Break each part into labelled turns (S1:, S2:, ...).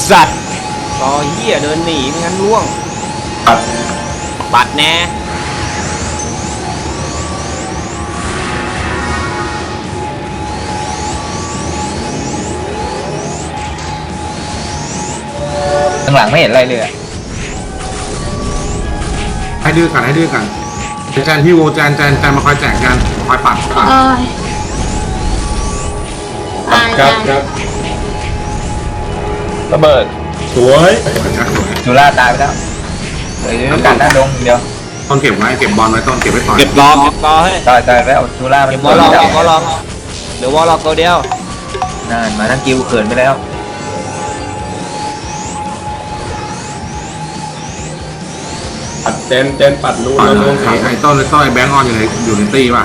S1: สัตว์ต่อเหี้ยเดินหนีไม่งั้นล่วงปัดแน่
S2: ข้างหลังไม่เห็นอะไรเลย
S3: ให้ดื้อกันแจนพี่โวแจนมาคอยแจกกันคอยปัด
S4: ครับ
S2: ระเบิด
S4: สวย
S2: จูล่าตายไปแล้วเหลือการหน้าดงเดียว
S3: ต้นเก็บไว้เก็บบอลไว้ต้นเก็บไว้ต่อย
S1: เก็บรอให้
S2: ตายแล้วจูล่ามัน
S1: เก็บวอลล็อกเดี๋ยววอลล็อกตัวเดียว
S2: นั่นมาทั้งกิวเขินไปแล้ว
S4: ปัดเจนปัดรูนลงขา
S3: ไอ้ต้นไอ้แบงค์ออนอยู่ในตีป่ะ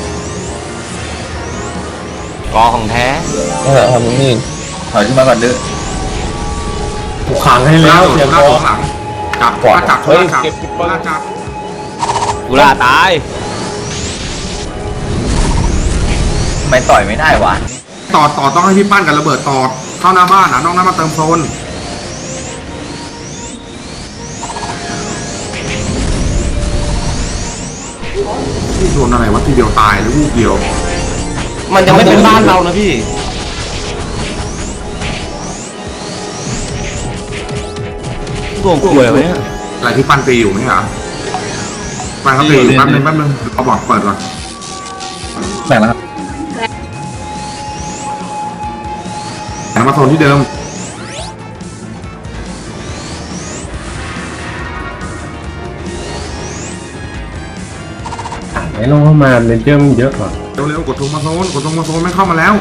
S1: กอของแท้
S2: ทำนี่ถอยขึ้นมาก่อนดื้อ
S4: ถูกขังให้แล้วเสียบอล
S3: หลังจับ
S1: กูล่าตาย
S2: ไม่ต่อยไม่ได้วะ
S3: ต่อต้องให้พี่ปั้นกับระเบิดต่อเข้าหน้าบ้านนะน้องน้ำมาเติมโซนที่โดนอะไรวะทีเดียวตายหรือวูบเดียว
S1: มันยังไม่เป็นบ้านเรานะพี่โง่กลัวอะไรเนี่ย
S3: อะไรที่ปั้นตีอยู่ไหมครับปั้นเขาตีอยู่แป๊บนึงเอาบอร์ดเปิดก่อน
S2: แบ่งแล้วครับ
S3: แบ่งมาโซนที่เดิม
S4: ไหนลงเข้ามาเลนเจอร์มันเยอะกว่า
S3: เร็วกดทงมาโซนไม่เข้ามาแล้ว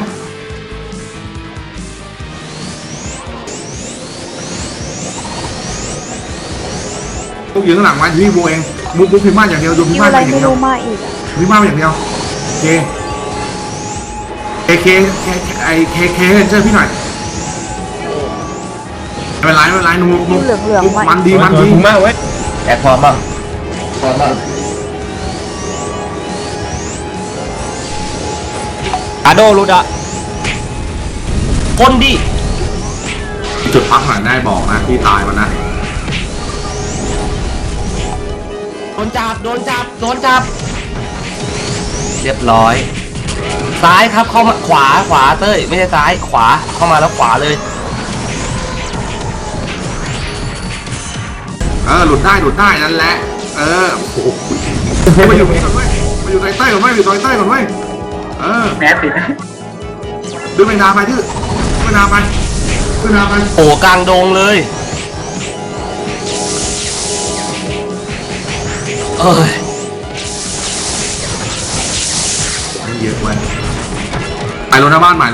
S3: ลูกยิงหลังไว้ที่บูเองบูพิม่าอย่างเดียวดูพิม่าอย่างเดียวพิม่าอย่างเดียวเคเจอพี่หน่อยไม่เป็นไรนุ่มมันดี
S4: มากเว้ย
S2: แอดพร้อมบ้าง
S1: อาโดรุดอะคนดิ
S3: จุดพักหน่อยได้บอกนะที่ตายมันนะ
S1: โดนจับเรียบร้อยซ้ายครับเข้ามาขวาเต้ยไม่ใช่ซ้ายขวาเข้ามาแล้วขวาเลย
S3: หลุดได้นั่นแหละโอ้โหมาอยู่นี่ก่อนเว้ยมาอยู่ใต้ก่อนเว้ยก่อนเว้ย
S2: แมสติด
S3: ดูไปนาไปดื้อไป
S1: โอ้กลางดงเลย
S3: เยอะเว้ยไปรถหน้าบ้านใหม่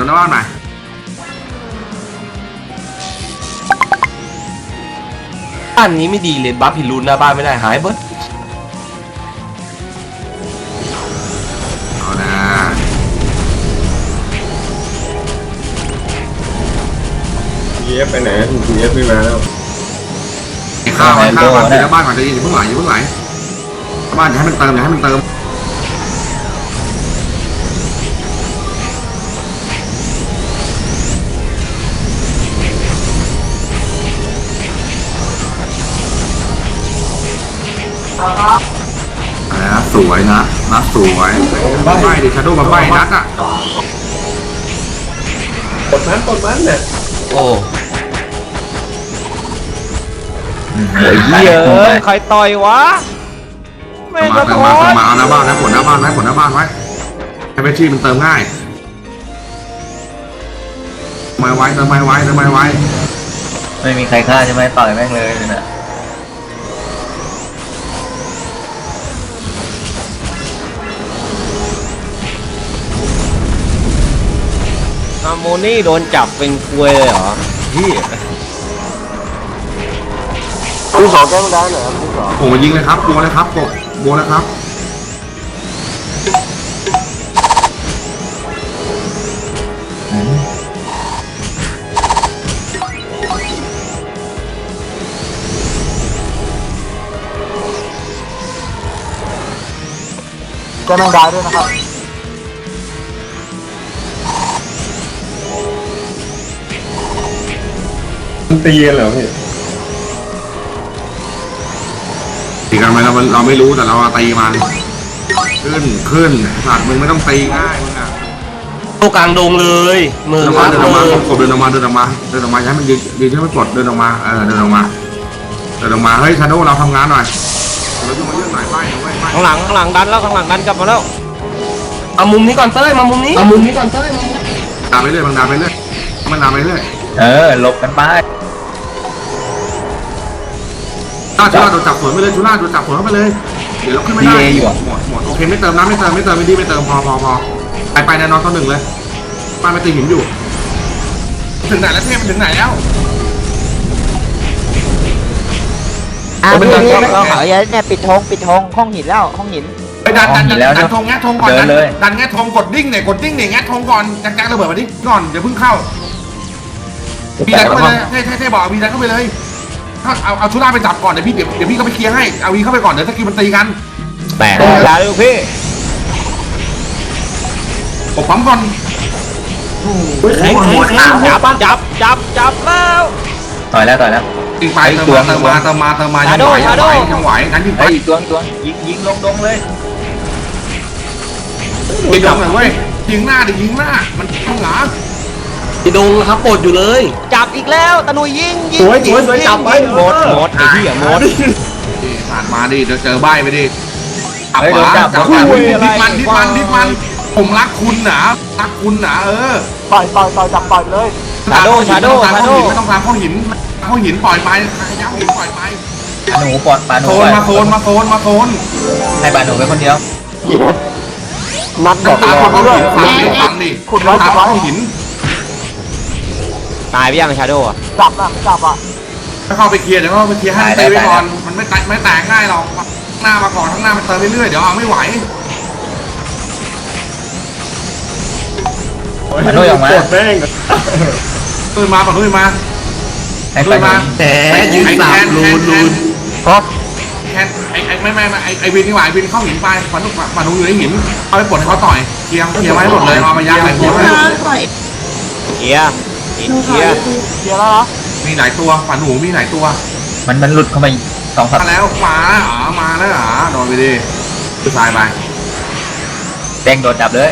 S1: บ้านนี้ไม่ดีเลยบัฟพิรุณหน้าบ้านไม่ได้หายเบิร์ด
S3: เอานะ
S4: เย็บไปไหนเย็บไม่มาแล้ว
S3: ข้าวบ้านก่อนจะยิงอย่าเพิ่งไหลบ้านอย่าให้มันเติมสวยนะสวยไม่ดิชาโดว์มาใบนัดอ่ะ
S4: กดมันเนี่ย
S1: โอ้เหี้ยใครต่อยวะไม่กระโดด
S3: มาเอาหน้าบ้านนะผลหน้าบ้านไว้ให้เบชี่มันเติมง่ายไม่ไว้
S2: ไม่มีใครฆ่าใช่ไหมต่อยแม่งเลยนะ
S1: อาโมนี่โดนจับเป็นควยเลยเหรอพี่
S4: คุณสองแก้ไม่ได้เหรอคุณสอง
S3: โอ้ยิงเลยครับบัวเลยครับ
S5: แก้แมงดาด้วยนะครับ
S4: มันตีกันเหรอพี่
S3: ตีกันไหมเราไม่รู้แต่เราตีมันขึ้นสัตว์มึงไม่ต้องตีง่ายมึงอะ
S1: ตัวกลางดงเลยมือ
S3: เดิน
S1: ค
S3: มา
S1: รับ
S3: เดินออก
S1: มื
S3: มา
S1: อ
S3: เดินออกมาอย่าให้มันยืนให้มันกดเดินออกมาเดินออกมาเฮ้ยชาโดเราทำงานหน่อยเราจะมาเรื่องไหนไปเว้ย
S6: ข้างหลังดันแล้วข้างหลังดันกลับมาแล้ว
S1: เอามุมนี้ก่อนเต้ยมามุมนี้
S3: ด่าไปเรื่อยมันด่าไปเรื่อย
S2: หลบกันไป
S3: ชุล่าโดนจับสวนไปเลยชุล่าโดนจับสวนเข้าไปเลยเดี๋ยวเราขึ้นไม่ได้หมดโอเคไม่เติมน้ำไม่เติมไม่ดีพอไปแน่นอน1เลยป้าไม่ตีหินอยู่ถึงไหนแล้วเทพมันถึงไหนแล้ว
S7: พี่เนี่ยปิดธงห้องหินแล้วห้องหิน
S3: ไปดันธงแงะธงก่อนดันแงะธงกดดิ้งเนี่ยแงะธงก่อนจังระเบิดมาดิก่อนเดี๋ยวเพิ่งเข้าบีดันเข้าไปเลยเท่บอกบีดันเข้าไปเลยถ้าเอาชุล่าไปจับก่อนเดี๋ยวพี่ก็ไปเคลียร์ให้เอาวีเข้าไปก่อนเดี๋ยวสกิลมันตีกัน
S6: แตกอย่าเลยพี่
S3: ผมปั๊มก่อน
S6: แข็งจับแล้ว
S2: ต่อยแล้ว
S3: ตีไปเติมมายังไหวงั้นยิงไป
S2: ไอ้อีกตัวยิงลงดงเลย
S3: ยิงดงเลยเว้ยยิงหน้ามันข้างหลัง
S1: ที่ดงครับปลดอยู่เลย
S7: จับอีกแล้วตะนุยยิง
S4: สวยจับไป
S6: หมดไอ้เหี้ยหมด
S3: ผ่านมาดิเดี๋ยวเจอใบไปดิจับดิมันผมรักคุณนะ
S5: ต่อยจับต่อยเลย
S6: ชาโด
S3: ไม่ต้องการข้อหินปล่อยไปย้ำหินปล่อยไป
S2: หนูปอดปาหนู
S3: โซนมาโซน
S2: ให้ปาหนูไปคนเดียว
S5: นัดบอก
S3: ตา
S5: เลย
S3: ฟังดิตาข้อหิน
S6: ตายไปยังชาโดอ่ะ
S5: จับอ่ะ
S3: ถ้าเข้าไปเคลียร์เดี๋ยวก็ไปเคลียร์ให้ตีไว้ก่อนมันไม่แตกง่ายหรอกหน้ามาก่อนข้างหน้ามันเติมเรื่อยๆเดี๋ยวเอาไม่ไหว
S2: ปาหนูออกมา
S4: ปวดแม่ง
S3: ปืนมาปะปืนมา
S2: ให้ปาหนู
S1: แต่ยืนสามลูน
S5: ครับ
S3: แคนไอวินนี่หว่าวินเข้าหินไปฝันลูกมาดูอยู่ในหินเอาไปปลดให้เขาต่อยเคลียร์ไว้หมดเลยเอามายัดใส่หัว
S6: เคลียร์
S5: เคลียร์แล้วนะ
S3: มีหลายตัวฝันหนูมีหลายตัว
S2: มันหลุดเข้ามา2
S3: มาแล้วขวามาแล้วโดนไปดิตายไป
S2: แดงโดนจับเลย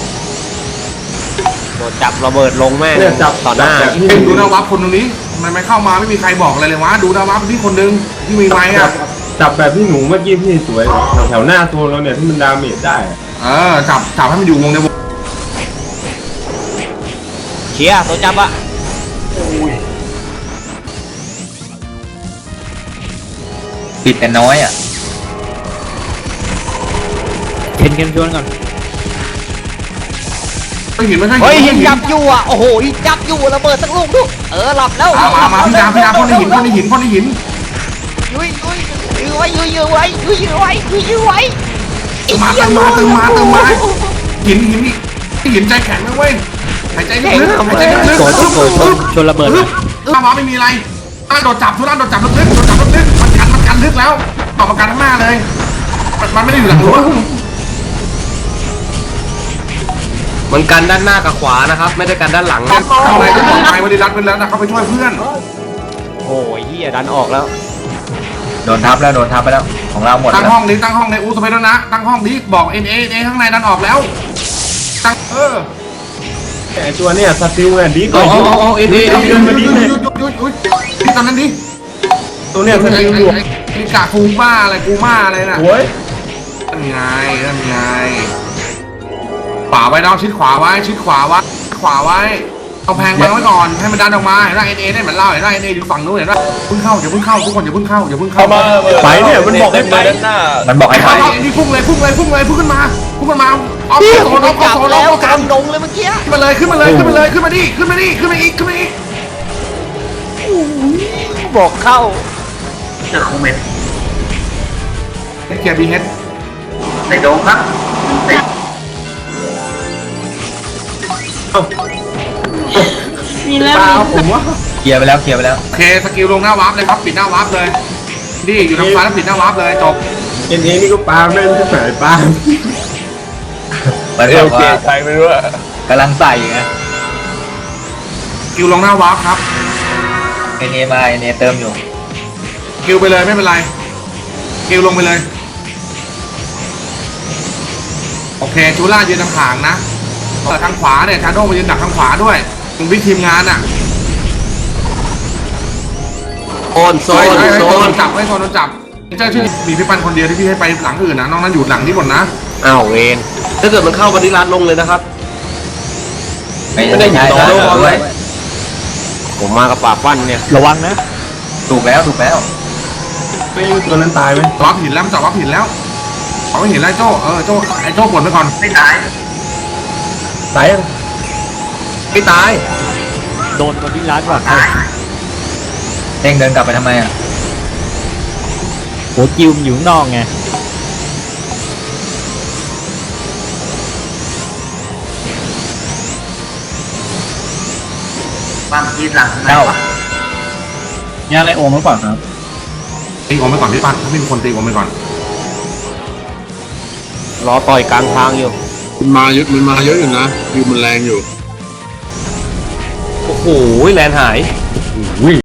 S6: โดนจับระเบิดลงแม่ง
S4: เนี่ยจับ
S6: ต่อหน้า
S4: แบบนี้
S3: ดูนาวับคนตรงนี้มันไม่เข้ามาไม่มีใครบอกอะไรเลยวะดูนาวับที่คนนึงที่มีไม้อะ
S4: จับแบบที่หนูเมื่อกี้พี่สวยแถวหน้าตัวเราเนี่ยที่มันดาเมจได้
S3: จับให้มันอยู่วงในวง
S6: เคลียร์ตัวจับอะ
S2: ปิดแต่น้อยอ่ะ
S6: เข็นกันชวนก่อน
S3: ไม่เห็นไม่ใช่
S7: เฮ้ยหินจับอยู่อ่ะโอ้โหหินจับอยู่ระเบิดสักลูกดูหลับแล้ว
S3: มาพี่ดาพ่นในหิน
S7: ยุยไว้
S3: มาเติมมาหินใจแข็งนะเว้ยหายใจลึก
S6: ชนระเบิด
S3: มาไม่มีอะไรโดดจับทุลันโดดจับลึกมันกันลึกแล้วออกมากันข้างหน้าเลยมันไม่ได้อยู่หลังรั้ว
S1: มันกันด้านหน้ากับขวานะครับ ไม่ได้กันด้านหลัง
S3: เข้าไปก็ปลอดภัยวันนี้รัดไปแล้วนะเขาไปช่วยเพื่อน
S6: โอ้ยเหี้ยดันออกแล้ว
S2: โดนทับไปแล้วของเราหมด
S3: ตั้ง
S2: แล้ว
S3: ห้องนี้ตั้งห้องในอูสเปนแล้วนะตั้งห้องนี้บอกเอข้างในดันออกแล้วตั้ง
S4: ไอตัวเนี่ยสติลเนี่ยดี
S1: เอาเอ็นเอ
S3: หยุดนี่ตอนนั้นดิ
S4: ตัวเนี่ยสติลอยู่
S3: ไอ้กาฟูบ้าอะไรกูม่าอะไรน่ะ
S4: โอ้ย
S3: นั่นไงขวาไว้น้องชิดขวาไว้เอาแพงบังไว้ก่อนให้มันดันออกมาเห็นไหมเอได้เหมือนเราเห็นไหมเออยู่ฝั่งนู้นเห็นไหมเพิ่งเข้าทุกคนอย่าเพิ่งเข้า
S4: ไปเนี่ยมันบอกให้ไป
S2: มันบอกให้ไป
S3: นี่พุ่งเลยพุ่งขึ้นมาเอา
S7: พี่
S3: โซน
S7: จับแล้ว
S3: เอา
S7: กลางดงเลยเมื่อกี้
S3: ขึ้นมาเลยขึ้นมาดิขึ้นมาอีก
S7: บอกเข้า
S3: เคลียร์บีเฮด
S8: มีแล้ว
S4: ผมว่า
S2: เคลียร์ไปแล้ว
S3: โอเคสกิลลงหน้าวาร์ปเลยครับปิดหน้าวาร์ปเลยนี่อยู่ทางซ้ายแล้วปิดหน้าวาร์ปเลยจบ
S4: เอ็นนี่ก็ปาไม่รู้จะไหนปา
S2: มันบอกว่า
S4: ใครไม่รู้อะ
S2: กำลังใส่ไง
S3: สกิลลงหน้าวาร์ปครับ
S2: เอเนมาเอเนเติมอยู่
S3: คิวไปเลยไม่เป็นไรคิวลงไปเลยโอเคชูล่ายืนทางขางนะแต่ทางขวาเนี่ยชาโดว์มายืนดักทางขวาด้วยมึงวิทีมงานอ่ะ
S1: โซนโซ
S3: โซ
S1: น
S3: น
S1: โซ
S3: โด
S1: น
S3: นจับโดนจับเจ้าชื่อมีพี่ปันคนเดียวที่พี่ให้ไปหลังอื่นนะน้องนั้นอยู่หลังนี้หมดนะ
S6: อ้าวเวน
S1: ถ้าเกิดมันเข้าบริรัตลงเลยนะครับ
S2: ไม่ได้ยิง
S1: โดนโดน
S2: ด้วย
S6: ผมมากับปากฟันเนี่ยระวังนะ
S2: ถูกแล้ว
S4: ไม่ตัวนั้นตายไหม
S3: วับหินแล้วมันจับวับหินแล้วเอาไม่เห็นแล้วโจ้ไอ้โจ้ปลดไปก่อนไม่ตาย
S4: ตายยัง
S1: ไม่ตาย
S6: โดนคนที่ร้านก่อน
S2: เด้งเดินกลับไปทำไมอ่ะ
S6: โหจิวมนอยู่ข้างนอกไง
S2: เจ้าย่าไรโอมหรือเปล่าครับ
S3: ตีออกไปก่อนพี่ปันถ้ามีคนตีออกไปก่อน
S6: รอต่อยกลางทางอยู่
S4: มันมาเยอะอยู่นะวิวมันแรงอยู่
S1: โอ้โหแลนหาย